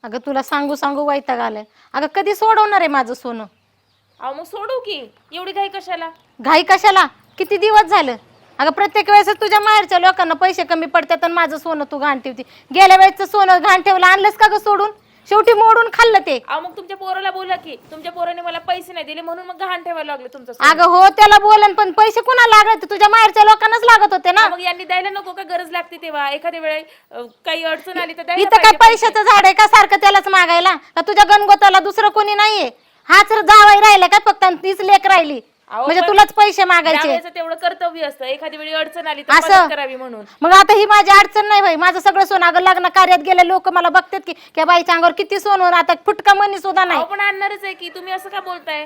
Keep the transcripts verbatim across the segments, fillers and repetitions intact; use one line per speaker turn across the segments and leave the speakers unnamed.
अगं तुला सांगू सांगू वैताग आलाय. अगं कधी सोडवणार आहे माझं सोनं?
अहो मग सोडू की, एवढी घाई कशाला?
घाई कशाला? किती दिवस झालं? अगं प्रत्येक वेळेस तुझ्या माहेरच्या लोकांना पैसे कमी पडतात आणि माझं सोनं तू घाण ठेवती. गेल्या वेळेचं सोनं घाण ठेवलं, आणलंस का ग सोडून? शेवटी मोडून खाल्लं ते.
अहो मग तुमच्या पोराला बोला की, तुमच्या पोराने मला पैसे नाही दिले म्हणून मग गहाण ठेवायला लागले तुमचं सोनं.
अगं हो त्याला बोलन, पण पैसे कुणाला लागत? तुझ्या माहेरच्या लोकांनाच लागत होते ना.
मग यांनी द्यायला नको का? गरज लागते तेव्हा एखाद्या वेळे अं, काही अडचण आली तर द्यायला
इथं काय
पाहिजे
पैशाचं झाड आहे का सारखं त्यालाच मागायला? का तुझ्या गणगोताला दुसरं कोणी नाहीये? हाच जावाई राहिला काय फक्त आणि तीच लेक राहिली?
अहो,
म्हणजे
पण
तुलाच पैसे मागायचे?
त्यावेळेचं तेवढं कर्तव्य असतं, एखादी वेळी अडचण आली तर
असं?
मदत करावी म्हणून.
मग आता ही माझी अडचण नाही भाई. माझं सगळं सोनं अगं लग्न कार्यात गेले लोक मला बघतात की त्या बाईच्या अंगावर किती सोनं, आता फुटका मनी सुद्धा नाही.
अहो पण आणणारच आहे की, तुम्ही असं का बोलताय?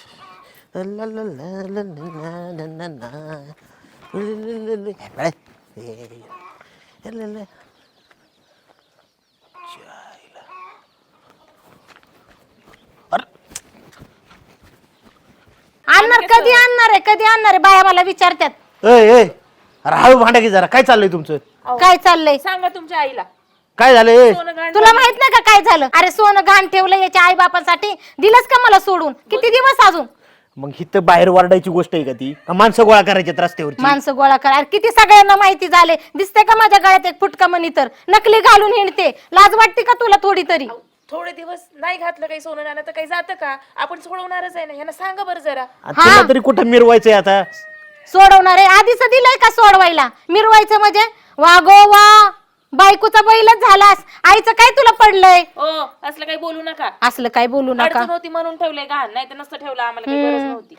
आणणार कधी आणणार आहे? कधी आणणार आहे? बाया मला विचारतात.
ए ए अरे हळू भांडा की जरा. काय चाललंय तुमचं?
काय चाललंय?
सांगा तुमच्या आईला.
काय झालंय?
सोनं गहाण
तुला माहित नाही का काय झालं? अरे सोनं घाण ठेवलं याच्या आई बापासाठी, दिलंच का मला सोडून? किती दिवस अजून?
मग हिथं बाहेर वारडायची गोष्ट आहे का ती? का माणसं गोळा करायची रस्त्यावरची?
माणसं गोळा करा. अरे किती सगळ्यांना माहिती झाले. दिसते का माझ्या गळ्यात एक फुटका मनी तर नकली घालून हिंडते? लाज वाटते का तुला थोडी तरी?
थोडे दिवस नाही घातलं काही सोनं नाणं तर काही जातं का? आपण सोडवणारच आहे ना. यांना सांगा बरं जरा.
आणि तुला तरी कुठं मिरवायचंय आता?
सोडवणार आहे? आधीच दिलंय का सोडवायला? मिरवायचं म्हणजे वा गो वा, बायकोचा बैलच झालास. आईचं काय तुला पडलंय?
ओ असलं काही बोलू नका.
असलं काय बोलू नका.
अडचण होती म्हणून ठेवलंय गहाण, नाही तर नसतं ठेवलं. आम्हाला काही गरज नव्हती.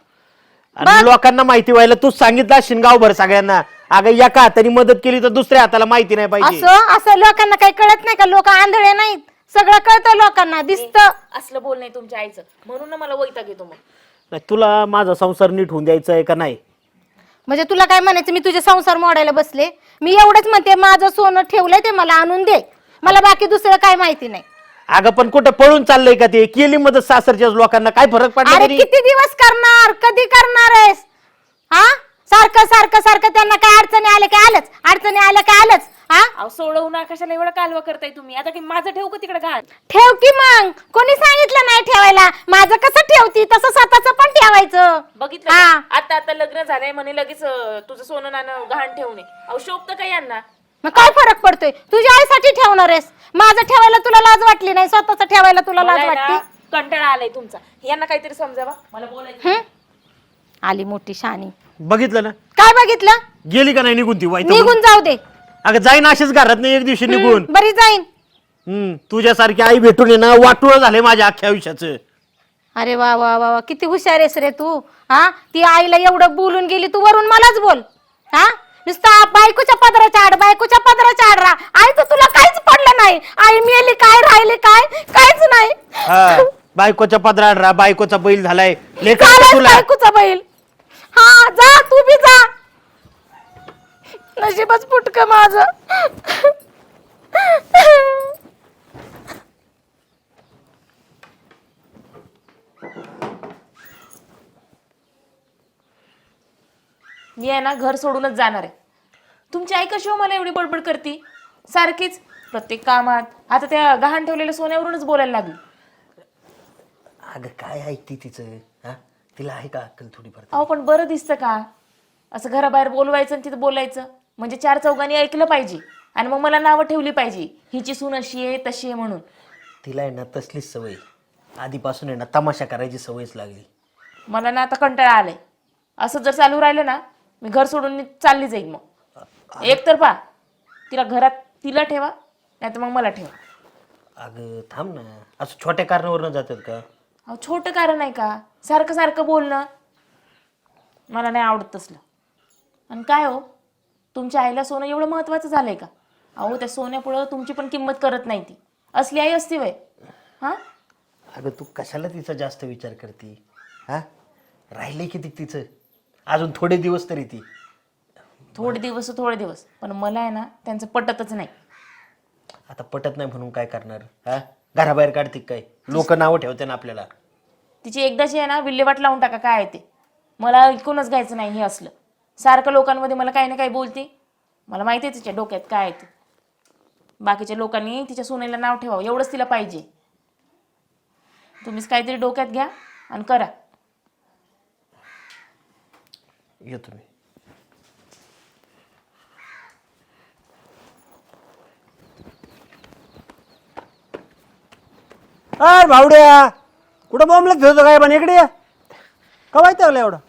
आणि लोकांना माहिती व्हायला तूच सांगितलं असशील गावभर सगळ्यांना. अगं एका हाताने मदत केली तर दुसऱ्या हाताला माहिती नाही पाहिजे.
असं असं लोकांना काही कळत नाही का? लोक आंधळे नाहीत, सगळं कळतं लोकांना, दिसतं.
असलं बोल नाही तुमच्या आईचं, म्हणून ना मला वैताग येतो. मग
नाही, तुला माझा संसार नीट होऊन द्यायचा आहे का नाही?
म्हणजे तुला काय म्हणायचं? मी तुझे संसार मोडायला बसले? मी एवढंच म्हणते, माझं सोनं ठेवलंय ते मला आणून दे. मला बाकी दुसरं काय माहिती नाही.
अगं पण कुठं पळून चाललंय का ते? केली मदत सासरच्या लोकांना, काय फरक पडला
अरे
तरी?
किती दिवस करणार? कधी करणार आहेस? हा सारखं सारखं सारखं त्यांना काय अडचणी आल्या काय आलंच, अडचणी आल्या काय आलंच. हा
अहो सोडवू ना, कशाला एवढा कालवा करताय तुम्ही? आता की माझं ठेवू का तिकडे गहाण?
ठेव की मग. कोणी सांगितलं नाही ठेवायला? माझं कसं ठेवती तसं स्वतःच पण ठेवायचं.
बघितलं
हा.
का? आता आता लग्न झालंय म्हणे लगेच अं, तुझं सोनं नाणं गहाण ठेवू नये. अहो शोभतं का यांना?
मग काय फरक पडतोय? तुझ्या आईसाठी ठेवणार आहेस, माझं ठेवायला तुला लाज वाटली नाही? स्वतःच ठेवायला तुला
मला
लाज
आहे ना,
वाटते?
कंटाळा आलाय तुमचा. यांना काहीतरी समजावा, मला बोलायचं.
हं? आली मोठी शानी.
बघितलं ना?
काय बघितलं?
गेली का नाही निघून ती वाईट?
निघून जाऊ दे.
अगं जाईन अशीच घरात नाही एक दिवशी निघून.
बरी जाईन.
हम्म तुझ्यासारखी आई भेटून ये ना, वाटुळ झाले माझ्या अख्ख्या आयुष्याचं.
अरे वा वा वा वा, किती हुशार आहेस रे तू. हा ती आईला एवढं बोलून गेली, तू वरून मलाच बोल. हा नुसता बायकोच्या पदराच्या आड, बायकोच्या पदराच्या आड राहा. आईचं तुला काहीच पडलं नाही. आई मेली काय, राहिले काय, काहीच नाही.
हा बायकोच्या पदरात राहा, बायकोचा बैल झालाय. लेकरं
झालायस
तुला
बायकोचा बैल. हा जा तू बी जा. नशीबच फुटक माझं.
मी आहे ना घर सोडूनच जाणार आहे. तुमची आई कशी हो मला एवढी बडबड करती सारखीच प्रत्येक कामात? आता त्या गहाण ठेवलेल्या सोन्यावरूनच बोलायला लागली.
अगं काय ऐकती तिचं? हा तिला आहे का अक्कल थोडीफार?
अहो पण बरं दिसतं का असं घराबाहेर बोलवायचं आणि तिथं बोलायचं? म्हणजे चार चौघांनी ऐकलं पाहिजे आणि मग मला नावं ठेवली पाहिजे, हिची सून अशी आहे तशी आहे म्हणून.
तिला आहे ना तसलीच सवय आधीपासून आहे ना, तमाशा करायची सवयच लागली.
मला ना आता कंटाळा आलाय. असं जर चालू राहिलं ना, मी घर सोडून चालली जाईल. मग एक तर पा तिला घरात तिला ठेवा, नाही तर मग मला ठेवा.
अगं थांब ना, असं छोट्या कारणावर न जातात का?
अहो छोटं कारण आहे का सारखं सारखं बोलणं? मला नाही आवडत तसलं. आणि काय हो, तुमच्या आईला सोनं एवढं महत्वाचं झालंय का? अहो त्या सोन्यापुढं तुमची पण किंमत करत नाही ती. असली आई असती वय? हा
अगं तू कशाला तिचा जास्त विचार करते? हा राहिले किती तिचं? अजून थोडे दिवस तरी ती.
थोडे दिवस थोडे दिवस पण मला आहे ना त्यांचं पटतच नाही.
आता पटत नाही म्हणून काय करणार? हा घराबाहेर काढते काय? लोक नावं ठेवते ना आपल्याला.
तिची एकदाची आहे ना विल्हेवाट लावून टाका. काय आहे ते मला ऐकूनच घ्यायचं नाही. हे असलं सारखं लोकांमध्ये मला काही ना काही बोलते. मला माहिती आहे तिच्या डोक्यात काय आहे ते. बाकीच्या लोकांनी तिच्या सुनेला नाव ठेवावं एवढंच तिला पाहिजे. तुम्हीच काहीतरी डोक्यात घ्या आणि करा.
येतो मी.
अरे भावड्या कुठं बॉम्बला फिरतो काय पण इकडे या. का माहिती लागलं एवढं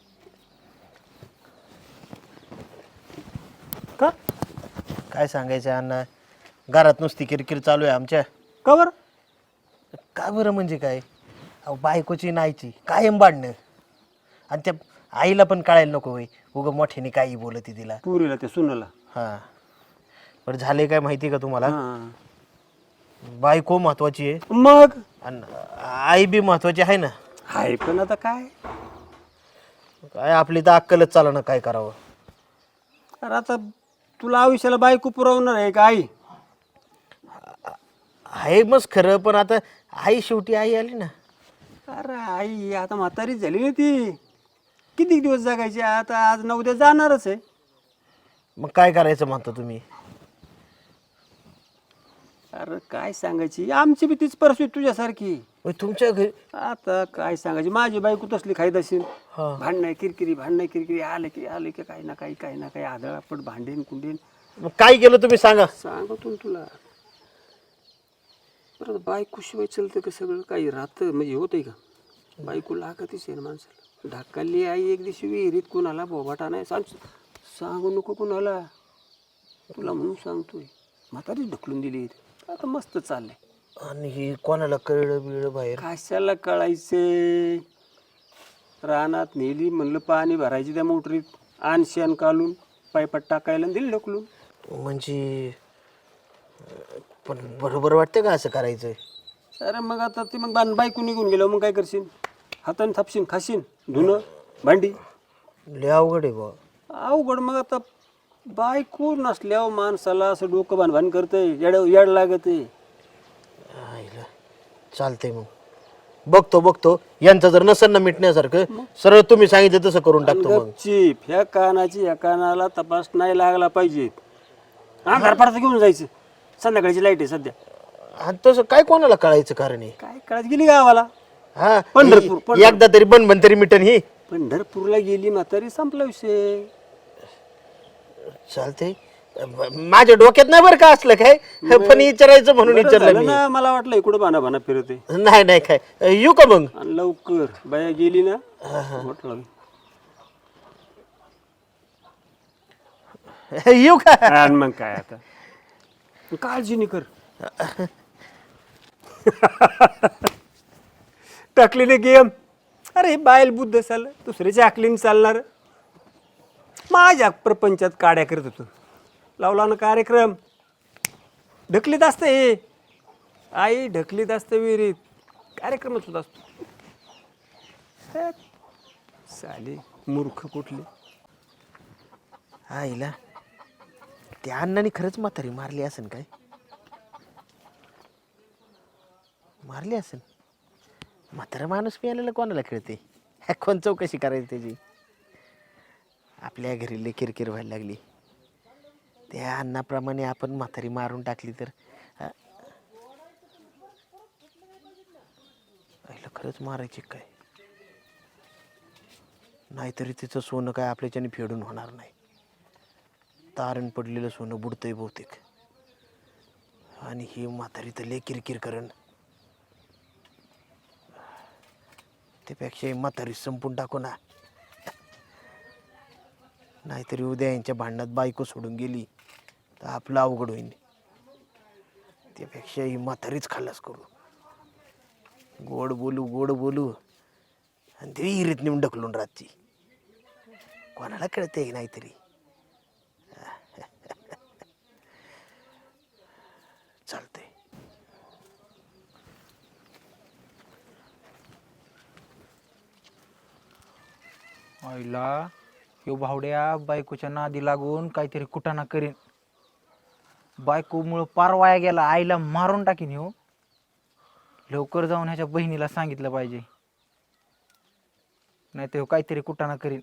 का
काय सांगायचं अण्णा, घरात नुसती किरकिर चालू आहे आमच्या.
का बरं
का बरं म्हणजे काय, अहो बायकोची नाहीची कायम बांधणं. आणि त्या आईला पण कळायला नको होय, उगं मोठ्याने काही बोलती तिला.
पुरीला ते सुनाला
हां बरं झाले काय माहिती का तुम्हाला,
हां.
बायको महत्वाची आहे
मग
आणि आई बी महत्वाची आहे ना.
हाय पण आता काय
काय आपली तर अक्कलच चाला ना काय करावं.
अरे आता तुला आयुष्याला बायको पुरवणार आहे का आई.
आहे मग खरं, पण आता आई शेवटी आई आली ना.
अरे आई आता म्हातारीच झाली ना ती. किती दिवस जगायची आता, आज न उद्या जाणारच आहे.
मग काय करायचं म्हणता तुम्ही.
अरे काय सांगायची, आमची बी तीच परिस्थिती तुझ्यासारखी.
होय, तुमच्या घरी
आता काय सांगायची, माझी बायको तसली खाईत असेल.
हा.
भांडणं किरकिरी भांडणं किरकिरी आले की आले की काही ना काही काही ना काही आदळापट भांडेन कुंडेन.
मग काय केलं तुम्ही सांगा.
सांगतो ना तुला. परत बायको शिवाय चलतं का सगळं काही राहतं म्हणजे होतंय का. बायको लागतच आहे ना माणसाला. ढाकाली आई एक दिवशी विहिरीत कुणाला बोबाटा नाही सांग सांगू नको कुणाला, तुला म्हणून सांगतोय. म्हातारीच ढकलून दिली इथे. आता मस्त चाललंय.
आणि हे कोणाला कळलं बिळलं बाहेर.
कशाला कळायचे. रानात नेली म्हणलं पाणी भरायची त्या मोटरीत, आण शेण काढून पायपात टाकायला आणि दिली ढकलून.
म्हणजे पण बरोबर वाटतं का असं करायचं.
अरे मग आता ती मग बाण बायको निघून गेलो मग काय करशील. हाताने थापशील खाशील धुणं भांडी.
लय अवघड आहे बा.
अवघड मग आता बायको नसल्यावर माणसाला असं डोकं भानभान करतंय, येड येड लागतंय.
आईला चालतंय मग बघतो बघतो यांचं जर नसेल ना मिटण्यासारखं सरळ तुम्ही सांगितलं तसं करून टाकतो मग.
गपचीप ह्या कानाची ह्या कानाला तपास नाही लागला पाहिजे. अंधार पडता घेऊन जायचं. संध्याकाळची लाईट आहे सध्या.
आणि तसं काय कोणाला कळायचं कारण आहे.
काय कळत गेली गावाला.
हा
पंढरपूर,
ही- एकदा तरी बन बन तरी मिटन ही.
पंढरपूरला गेली म्हातारी संपला विषय.
चालतंय माझ्या डोक्यात नाही बरं का असलं काय, पण विचारायचं म्हणून
बरं
विचारलं
झालं
मी.
ना, मला वाटलं इकडं बाना बाना फिरते.
नाही नाही काय येऊ का मग.
आणि लवकर बाया गेली ना म्हटलं
येऊ का.
आणि मग काय आता काळजी नाही कर. टाकलेले गेम. अरे बायल बुद्ध चाललं दुसऱ्याच्या आकलीन चालणार. माझ्या प्रपंचात काड्या करत होतो. लावला ना कार्यक्रम. ढकलीत असतं हे आई ढकलीत असतं विहिरीत. कार्यक्रमच होत असतो. हे, साले मूर्ख कुठले.
आईला त्या अण्णाने खरंच म्हातारी मारली असेल काय. मारली असेल. म्हातारा माणूस मिळालेला कोणाला कळते. ह्या कोण चौकशी करायची त्याची. आपल्या घरी लय किरकिर व्हायला लागली. त्या अण्णाप्रमाणे आपण म्हातारी मारून टाकली तर हा? आईला खरंच मारायची काय. नाहीतरी तिचं सोनं काय आपल्याच्याने फेडून होणार नाही. तारण पडलेलं सोनं बुडतंय बहुतेक. आणि ही म्हातारी तर लय किरकिर करण. त्यापेक्षा ही म्हातारी संपून टाकू ना. नाहीतरी उद्या यांच्या भांडणात बायको सोडून गेली तर आपलं अवघड होईल. त्यापेक्षा ही म्हातारीच खाल्लास करू. गोड बोलू गोड बोलू आणि ते विहिरीत नेऊन ढकलून राहते. कोणाला कळते नाहीतरी. चालतंय.
आईला ह्यो भावड्या बायकोच्या नादी लागून काहीतरी कुटाणा करीन. बायकोमुळं पार वाया गेला. आईला मारून टाकीन ह्यो. लवकर जाऊन ह्याच्या बहिणीला सांगितलं पाहिजे, नाही तर ह्यो काहीतरी कुटाणा करीन.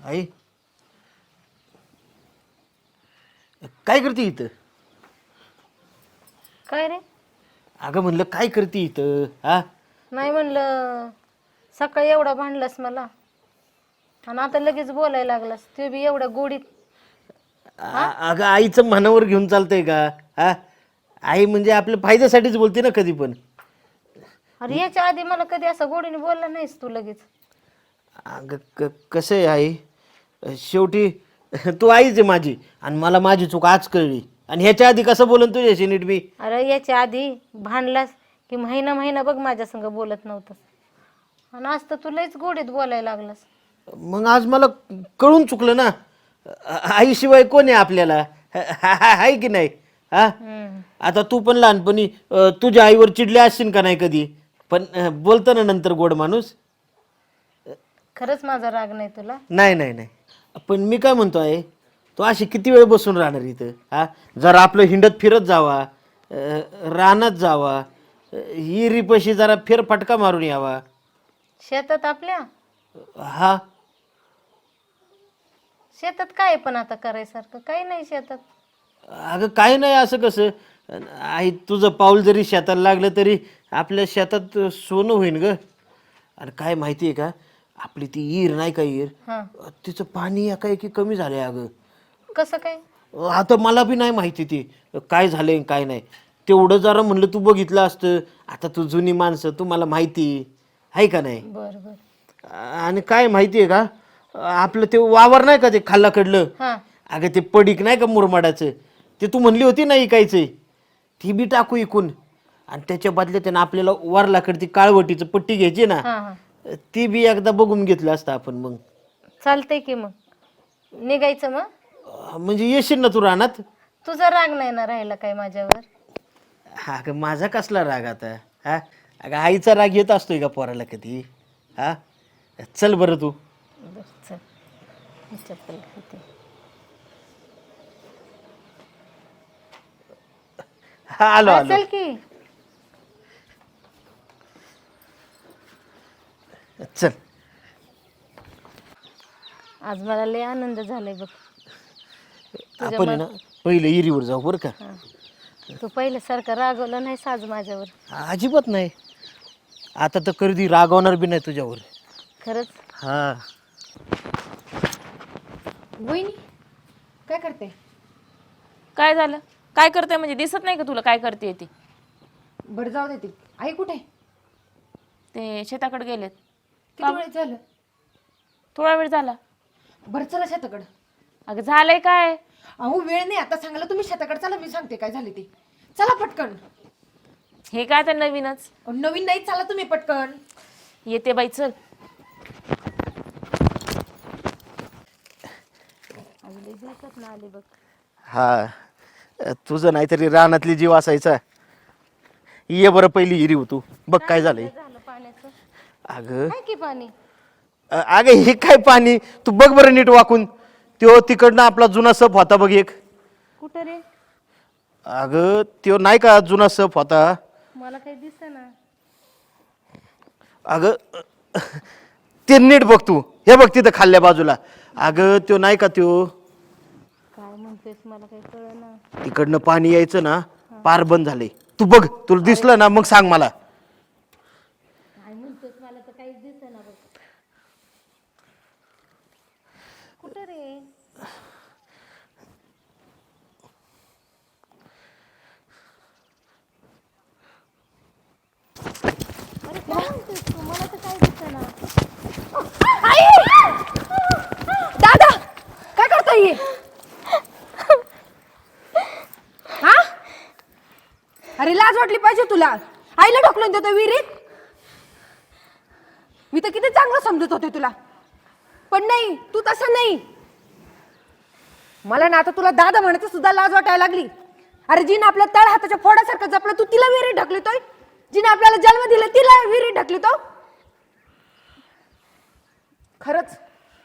आई काय करते इथं?
काय रे?
अगं म्हणलं काय करते इथं? हा
नाही म्हणलं, सकाळी एवढा भांडलास मला आणि आता लगेच बोलायला लागलास, ते बी एवढ्या गोडीत.
आ- अगं आईचं मनावर घेऊन चालतंय का? हा आई म्हणजे आपल्या फायद्यासाठीच बोलते ना कधी पण.
अरे याच्या आधी मला कधी असं गोडीने बोलला नाहीस तू लगेच.
अगं क कसं आहे आई, शेवटी तू आईच आहे माझी आणि मला माझी चूक आज कळली. आणि ह्याच्या आधी कसं बोलन तुझ्याशी नीट बी?
अरे याच्या आधी भांडलास की महिना महिना बघ माझ्या संग बोलत नव्हतंस आणि आज तर तू लयच गोडीत बोलायला लागलास.
मग आज मला कळून चुकलं ना. आ- आईशिवाय कोण आहे आपल्याला? आहे की नाही? हा
हम्म.
आता तू पण लहानपणी अ, तुझ्या आईवर चिडले असशील का नाही कधी? पण अ, बोलतो ना नंतर गोड माणूस.
खरंच माझा राग नाही तुला.
नाही नाही नाही, पण मी काय म्हणतो आहे, तो अशी किती वेळ बसून राहणार इथं? हा जरा आपलं हिंडत फिरत जावा, अ, रानात जावा, अ, हिरीपाशी जरा फेरफटका मारून यावा.
शेतात आपल्या
हा
शेतात काय आहे पण आता करायसारखं काही नाही शेतात.
अगं काय नाही, असं कसं? आई तुझं पाऊल जरी शेताला लागलं तरी आपल्या शेतात सोनं होईन ग. आणि काय माहिती आहे का, आपली ती ईर नाही का ईर,
हा
तिचं पाणी एकाएकी कमी झालंय अगं.
कसं काय?
आता मला बी नाही माहिती ती काय झालंय काय नाही. तेवढं जरा म्हणलं तू बघितलं असतं. आता तू जुनी माणसं, तुम्हाला माहिती आहे का नाही?
बर बर.
आणि काय माहिती आहे का, आपलं ते वावर नाही का ते खाल्लाकडलं,
हा
अगं ते पडीक नाही का मुरमाडाचं, ते तू म्हणली होती ना इकायचं, ती बी टाकू इकून. आणि त्याच्या बदल्यात त्यानं आपल्याला वारलाकडे ती काळवटीचं पट्टी घ्यायची ना,
हा हा
ती बी एकदा बघून घेतलं असतं आपण. मग
चालतंय की मग निघायचं मग.
अं, म्हणजे येशील ना तू रानात?
तुझा राग नाही ना राहिला काय माझ्यावर?
हा अगं माझा कसला राग आता? हा अगं आईचा राग येत असतोय का पोराला कधी? हा चल बरं तू.
बरं, चल मी चप्पल घालते.
हा आलो
हा,
आलो.
चल की.
चल.
आज मला लय आनंद झालाय बघ.
आपण आहे ना पहिले इरीवर जाऊ बरं का?
हा. तू पहिल्यासारखं रागवलं नाहीस आज माझ्यावर.
अजिबात नाही. आता तर कधी रागवणार बी नाही तुझ्यावर.
खरंच.
हा
वहिनी काय करते? काय झालं? काय करते म्हणजे दिसत नाही का तुला काय करते ती?
बरं जाऊ दे ती. आई कुठे?
ते शेताकडे गेलेत.
किती वेळ झालं?
थोडा वेळ झाला.
बरं चला शेताकडं.
अगं झालंय काय?
अहो वेळ नाही आता सांगायला, तुम्ही शेताकडे चला, मी सांगते काय झाले ते. चला पटकन.
हे काय तर नवीनच.
अहो, नवीन नाही, चला तुम्ही पटकन.
येते बाई चल.
आले बघ.
हा तुझं नाहीतरी रानातली जीव असायचा. ये बरं पहिली हिरी तू बघ काय झालंय.
झालं पाण्याचं
अगं
काय की पाणी?
अ- अगं हे काय पाणी, तू बघ बरं नीट वाकून. त्यो तिकडनं आपला जुना सप होता बघ एक.
कुठं रे?
अगं त्यो नाही का जुना सप होता.
मला काही दिसेना.
अगं ते नीट बघ तू. हे बघ तिथं खाल्ल्या बाजूला. अगं त्यो नाही का त्यो,
काय म्हणतोयस मला काही कळना.
तिकडनं पाणी यायचं ना पार बंद झालंय. तू बघ, तुला दिसलं ना मग सांग मला.
काय म्हणतोयस मला तर काहीच दिसेना बघ. कुठं रे? अरे काय म्हणतोयस तू? मला तर काही दिसेना.
दादा काय करताय? हा अरे लाज वाटली पाहिजे तुला. आईला ढकलून देतो विहिरीत. मी तर किती चांगलं समजत होते तुला, पण नाही, तू तसं नाही. मला ना आता तुला दादा म्हणायचं सुद्धा लाज वाटायला लागली. अरे जिने आपल्या तळ हाताच्या फोडासारखं जपलं, तू तिला विहिरीत ढकलतोय. जिने आपल्याला जन्म दिला तिला विहिरीत ढकलतो. खरंच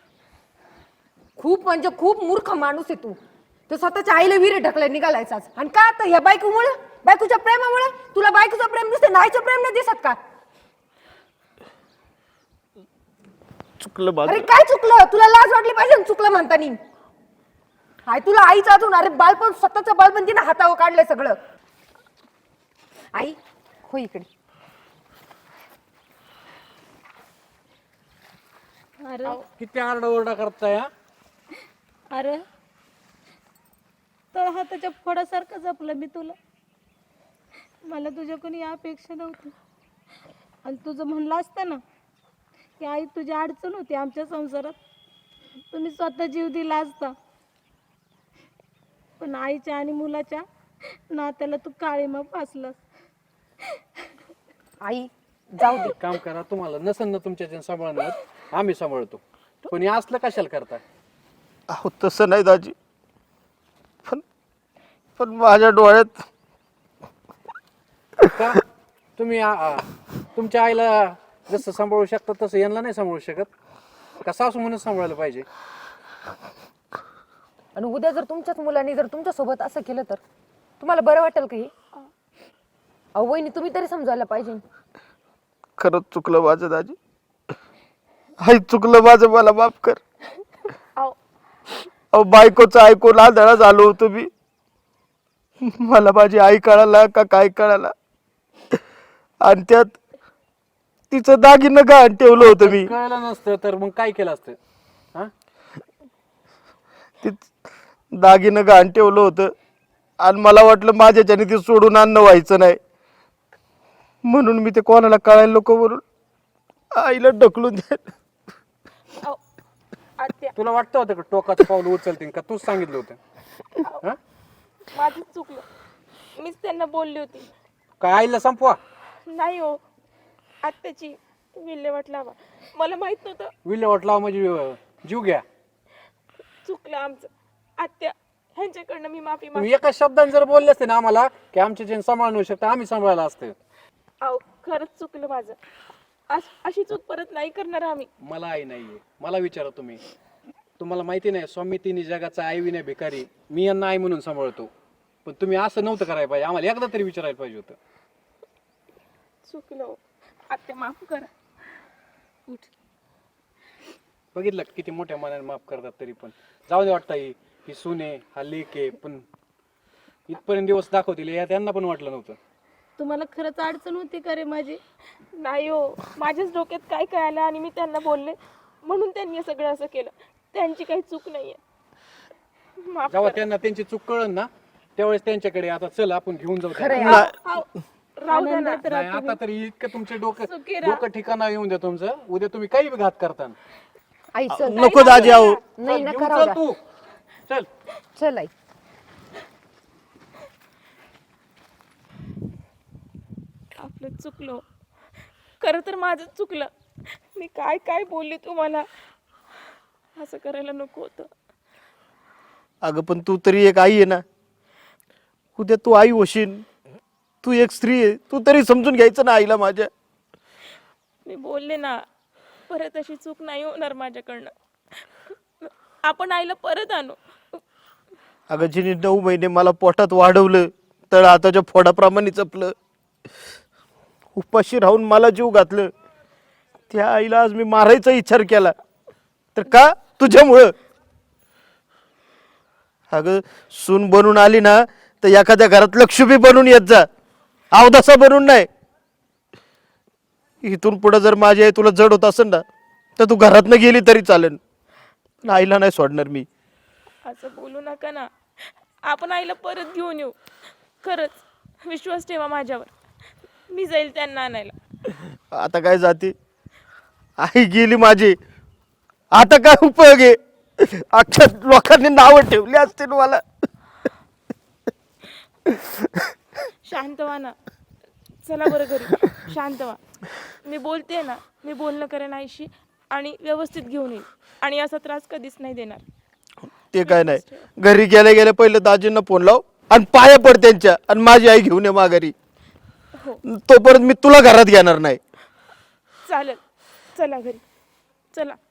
खूप म्हणजे खूप मूर्ख माणूस आहे तू. तर स्वतःच्या आईला विहिरीत ढकलाय निघालायचाच. आणि का आता ह्या बायकोमुळे, बायकोच्या प्रेमामुळे? तुला बायकोचं प्रेम दिसते, नाहीचं प्रेम नाही दिसत का?
चुकलं माझं.
अरे काय चुकलं? तुला लाज वाटली पाहिजे ना चुकलं म्हणतानी. हाय तुला आईच अजून, अरे बालपण स्वतःचं बालपण तिने हातावर काढलंय सगळं. आई हो इकडे.
अरे
किती आरडाओरडा करताय हा?
अरे तर हाताच्या फोडासारखं जपलं मी तुला. मला तुझ्याकडून या अपेक्षा नव्हती. आणि तुझं म्हणलं असतं ना की आई तुझी अडचण होती आमच्या संसारात, तुम्ही स्वतः जीव दिला असता. पण आईच्या आणि मुलाच्या नात्याला तू काळीमा फासलास.
आई जाऊ दे.
एक काम करा, तुम्हाला नसन ना तुमच्या सांभाळणार, आम्ही सांभाळतो. पण हे असलं कशाला करताय?
अहो तसं नाही दाजी, पण पण माझ्या डोळ्यात
का तुम्ही आ- आ- तुमच्या आईला जसं सांभाळू शकता तसं यांना नाही सांभाळू शकत का? सासू म्हणून सांभाळायला पाहिजे.
आणि उद्या जर तुमच्याच मुलांनी जर तुमच्या सोबत असं केलं तर तुम्हाला बरं वाटेल का? हे अहो वहिनी तुम्ही तरी समजायला पाहिजे.
खरंच चुकलं माझं दाजी. आई चुकलं माझं, मला माफ कर. अहो बायकोचं ऐकून आंधळा झालो होतो मी. मला माझी आई कळाला का काय कळाला, आणि त्यात तिचं दागिनं गहाण ठेवलं होतं मी.
कळलं नसतं तर मग काय केलं असतं? हा
ते दागिनं गहाण ठेवलं होतं आणि मला वाटलं माझ्याच्याने ते सोडून अन्न व्हायचं नाही, म्हणून मी ते कोणाला कळायला नको म्हणून आईला ढकलून द्यायला.
तुला वाटतं होतं का टोकाचं पाऊल उचलतील का? तूच सांगितलं होतं. हा
माझंच चुकलं, मीच त्यांना बोलली होती.
काय आईला संपवा?
नाही हो, आत्याची विल्हेवाट लावा. मला माहित नव्हतं.
विल्हेवाट लावा म्हणजे अं, जीव घ्या.
चुकलं आमचं. आत्या ह्यांच्याकडनं मी माफी माग.
तुम्ही एका शब्दाने जर बोलले असते ना आम्हाला की आमच्या जे सांभाळू शकता, आम्ही सांभाळायला असतं.
अहो खरंच चुकलं माझं. अश- अशी चूक परत नाही करणार आम्ही.
मला आई नाहीये. मला विचारा तुम्ही. तुम्हाला माहिती नाही, स्वामी तिन्ही जगाचा आई विना भिकारी. मी यांना आई म्हणून सांभाळतो. पण तुम्ही असं नव्हतं करायला पाहिजे. आम्हाला एकदा तरी विचारायला पाहिजे होतं.
चुकलं हो. आत्या माफ करा. उठ.
बघितलं किती मोठ्या मनाने माफ करतात तरी पण. जाऊ दे, वाटतं ही ही सुने हा लेक आहे, पण इथपर्यंत दिवस दाखवतील या त्यांना पण वाटलं नव्हतं.
तुम्हाला खरंच अडचण होती का रे माझी?
नाही हो, माझ्याच डोक्यात काय काय आलं आणि मी त्यांना बोलले म्हणून त्यांनी हे सगळं असं केलं. त्यांची काही चूक नाहीये. माफ
जेव्हा
करा.
त्यांना त्यांची चूक कळन ना त्यावेळेस त्यांच्याकडे आता चल आपण घेऊन जाऊ
खरंय.
त्यांना.
अहो, राहू द्या ना.
नाही आता तरी इतकं तुमचे डोकं
सुखी राहा.
डोकं ठिकाणा येऊन द्या तुमचं. उद्या तुम्ही काही बी घात करता.
आई चल.
नको दाजी. अहो
नाही
चल,
नका
घेऊन
राहू
चल
द्या.
तू. चल.
चल आई.
आपलं चुकलो. खरं तर माझं चुकलं. मी काय काय बोलले तुम्हाला. असं करायला नको होतं.
अगं पण तू तरी एक आई आहे ना. उद्या तू आई होशील, तू एक स्त्री आहे, तू तरी समजून घ्यायचं ना आईला माझ्या.
मी बोलले ना, परत अशी चूक नाही होणार माझ्याकडनं. आपण आईला परत आणू.
अगं जिने नऊ महिने मला पोटात वाढवलं, तळ हाताच्या फोडाप्रमाणे जपलं, उपाशी राहून मला जीव घातलं, त्या आईला आज मी मारायचा विचार केला तर का? तुझ्यामुळं. अगं सून बनून आली ना तर एखाद्या घरात लक्ष्मी बनून येत जा, अवदासा बनून नाही. इथून पुढे जर माझी आई तुला जड होत असेल ना तर तू घरातनं गेली तरी चालेल, पण आईला नाही सोडणार मी.
असं बोलू नका ना. आपण आईला परत घेऊन येऊ. खरंच विश्वास ठेवा माझ्यावर. मी जाईल त्यांना आणायला.
आता काय जाते, आई गेली माझी, आता काय उपयोग आहे? अख्ख्या लोकांनी नावं ठेवली असतील मला.
शांत व्हा ना. चला बरं घरी. शांत व्हा. मी बोलते ना, मी बोलणं करेन आईशी आणि व्यवस्थित घेऊन येईल आणि असा त्रास कधीच नाही देणार.
ते काय नाही, घरी गेल्या गेल्या पहिले दाजींना फोन लाव आणि पाया पड त्यांच्या, आणि माझी आई घेऊन ये माघारी. तोपर्यंत मी तुला घरात घेणार नाही.
चालेल. चला घरी. चला.